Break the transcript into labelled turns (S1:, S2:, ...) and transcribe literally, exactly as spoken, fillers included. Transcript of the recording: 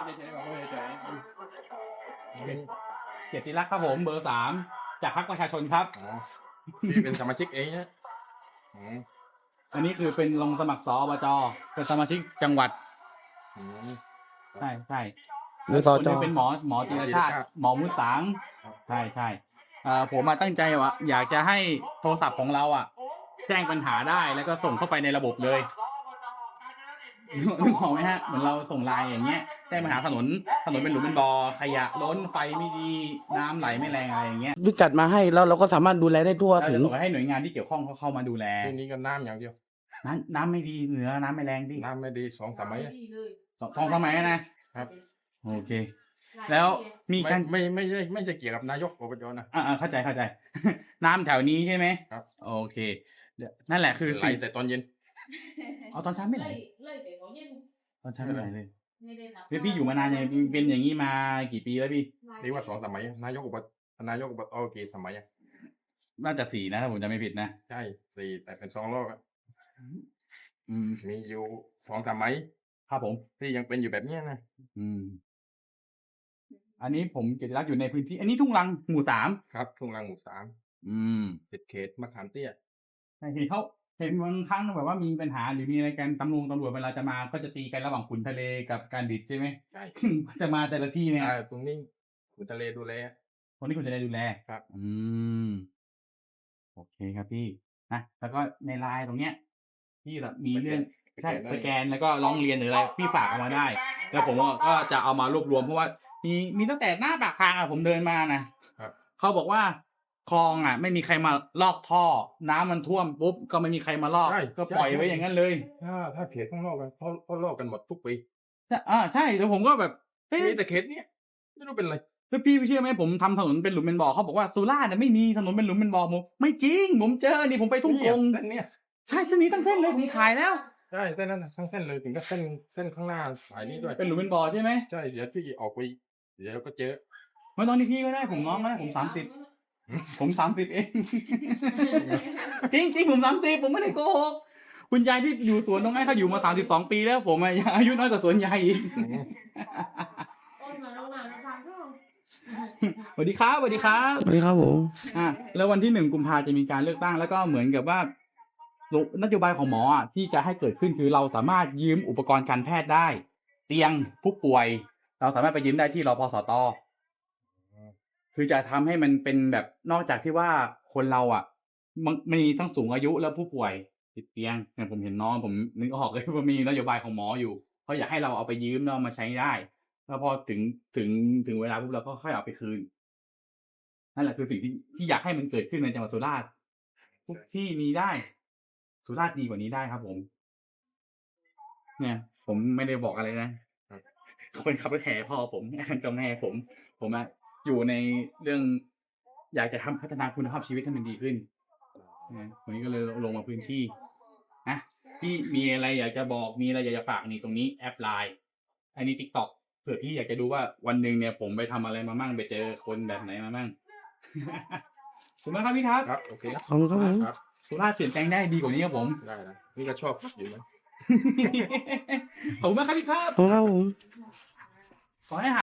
S1: เฉยๆบอกว่าเฉยๆเกียรติรักษ์ครับผมเบอร์สามจากพรรคประชาชนครับ
S2: อ๋อที่เป็นสมาชิกเองนะอืม
S1: อันนี้คือเป็นลงสมัครสอบจเป็นสมาชิกจังหวัด
S2: อืม
S1: ใช่ใช่
S3: หรือสจ
S1: คนนี้เป็นหมอหมอจิรชาติ หมอมุสัง
S2: ครับ
S1: ใช่ใช่อ่าผมมาตั้งใจว่าอยากจะให้โทรศัพท์ของเราอ่ะ แจ้งปัญหาได้แล้วก็ส่งเข้าไปในระบบเลยนึกออกไหมฮะเหมือนเราส่งไลน์อย่างเงี้ยแจ้งปัญหาถนนถนนเป็นหลุมเป็นบ่อขยะล้นไฟไม่ดีน้ำไหลไม่แรงอะไรอย่างเงี้ย
S3: พิกัดมาให้แล้วเราก็สามารถดูแลได้ทั่ว
S1: เรา
S3: ถึ
S1: จะ
S3: ง
S1: ส่งไปให้หน่วยงานที่เกี่ยวข้องเขาเข้ามาดูแล
S2: ที่นี้ก็น้ำอย่างเดียว
S1: น้ำน้ำไม่ดีเหนือน้ำไม่แรงพี่
S2: น้ำไม่ดีสองสามไม้
S1: สองสองสมัยนะครับ โอเค แล้วมี
S2: ไม่
S1: การ
S2: ไม่ไม่ใช่ไม่ใช่เกี่ยวกับนายกอบจนะ
S1: อ่าเข้าใจเข้าใจ น้ำแถวนี้ใช่ไหม
S2: ครับ
S1: โอเคเดี๋ยวนั่นแหละคือ
S2: ไหล
S1: สิ่ง
S2: แต่ตอนเย็น
S1: เอาตอนเช้าไม่ไหล
S4: เลยไปของเย็น
S1: ตอนเช้าไม่ไหลเลย
S4: ไม่ได้รับ
S1: พี่พี่อยู่มานานยังเป็นอย่างนี้มากี่ปีแล้วพี่
S2: นี่ว่าสองสมัยนายกอบจนายกอบจเอากี่สมัยอะ
S1: น่าจะสี่นะถ้าผมจำไม่ผิดนะ
S2: ใช่สี่แต่เป็นสองรอบอะ
S1: อืม
S2: มีอยู่สองสมัย
S1: ครับผม
S2: ที่ยังเป็นอยู่แบบเนี้ยนะ
S1: อืม อันนี้ผมเกียรติรักษ์อยู่ในพื้นที่ อันนี้ทุ่งรังหมู่สาม
S2: ครับทุ่งรังหมู่สาม
S1: อืม
S2: เขตเขตมะขามเตี้ย
S1: ใช่เห็นเขาเห็นบางครั้งแบบว่ามีปัญหาหรือมีอะไรกันตำรวจตำรวจเวลาจะมาก็จะตีกันระหว่างขุนทะเลกับการดิดใช่ไหม
S2: ใช่
S1: จะมาแต่ละที่เนี่ย
S2: อ่าตรงนี้ขุนทะเลดูแล
S1: คนที่คุณจะได้ดูแล
S2: ครับ
S1: อืม โอเคครับพี่นะแล้วก็ในไลน์ตรงเนี้ยพี่แบบมีเรื่องใช่สแกนแล้วก็ร้องเรียนหรืออะไรพี่ฝากเอามาได้ แล้วผมก็จะเอามารวบรวมเพราะว่ามีมีตั้งแต่หน้าปากทางอ่ะผมเดินมานะครับ เขาบอกว่าคลองอ่ะ ไม่มีใครมาลอกท่อ น้ำมันท่วมปุ๊บก็ไม่มีใครมาลอก
S2: ใช่
S1: ก็ปล่อยไว้อย่างนั้นเลย
S2: ถ้าถ้าเขตข้างนอกกันเขาเขาลอกกันหมดทุกปี
S1: ใช่อ่าใช่แล้วผมก็แบบเอ๊ะ
S2: มีแต่เขตเนี้ยไม่รู้เป็นไร
S1: แล้วพี่เชื่อไหมผมทำถนนเป็นหลุมเป็นบ่อเขาบอกว่าสุราษฎร์น่ะไม่มีถนนเป็นหลุมเป็นบ่อผมไม่จริง ผมเจอนี่ผมไปทุ่งกง
S2: เส้นเนี้ย
S1: ใช่เส้นนี้ทั้งเส้นเลยผมขายแล้ว
S2: ใช่เส้นนั้นน่ะทั้งเส้นเลยถึงก็เส้นเส้นข้างหน้าสายนี้ด้วย
S1: เป็นหลุมเป็นบ่อใช่ไหม
S2: ใช่เดี๋ยวพี่ออกไปเดี๋ยวก็เจอ
S1: ไม่ตอนนี้พี่ก็ได้ผมน้องก็ได้ผมสามสิบผมสามสิบเอง จริงจริงผมสามสิบผมไม่ได้โกหกคุณยายที่อยู่สวนตรงนั้นเขาอยู่มาสามสิบสองปีแล้วผมอะยังอายุน้อยกว่าสวนยายอีก
S4: โอนมาแล้วมาแล้วพังก็
S1: สวัสดีครับสวัสดีครับ
S3: สวัสดีครับผม
S1: อ่ะแล้ววันที่หนึ่งกุมภาจะมีการเลือกตั้งแล้วก็เหมือนกับว่านโยบายของหมออ่ะที่จะให้เกิดขึ้นคือเราสามารถยืมอุปกรณ์การแพทย์ได้ เตียงผู้ป่วย เราสามารถไปยืมได้ที่รพสตคือจะทำให้มันเป็นแบบนอกจากที่ว่าคนเราอ่ะมันมีทั้งสูงอายุแล้วผู้ป่วยติดเตียงเนี่ยผมเห็นน้องผมนึกออกเลยว่ามีนโยบายของหมออยู่เขาอยากให้เราเอาไปยืมแล้วเอามาใช้ได้แล้วพอถึงถึงถึงเวลาปุ๊บเราก็ค่อยเอาไปคืนนั่นแหละคือสิ่งที่ที่อยากให้มันเกิดขึ้นในจังหวัดสุราษฎร์ทุกที่มีได้ สุราษฎร์ดีกว่านี้ได้ครับผม เนี่ย ผมไม่ได้บอกอะไรนะเขาเป็นขับรถแห่พ่อผมกับแม่ผม ผมอะอยู่ในเรื่อง อยากจะทำพัฒนาคุณภาพชีวิตให้มันดีขึ้นนะวันนี้ก็เลยลงมาพื้นที่นะพี่มีอะไรอยากจะบอกมีอะไรอยากจะฝากนี่ตรงนี้แอปไลน์อันนี้ TikTok เผื่อพี่อยากจะดูว่าวันหนึ่งเนี่ยผมไปทำอะไรมามั่งไปเจอคนแบบไหนมามั่ง ขอบคุณมากครับพี่ครับ
S2: ครับโอเคครับ
S3: ขอบคุณครับผม
S2: ครับ
S1: สุราษฎร์เปลี่ยนแปลงได้ดีกว่านี้ครับผม
S2: ได้นะนี่ก็ชอบอยู่นะ
S1: ขอบคุณมากครับพี่ครับ
S3: ขอบคุณครับผม
S1: ขอให้หา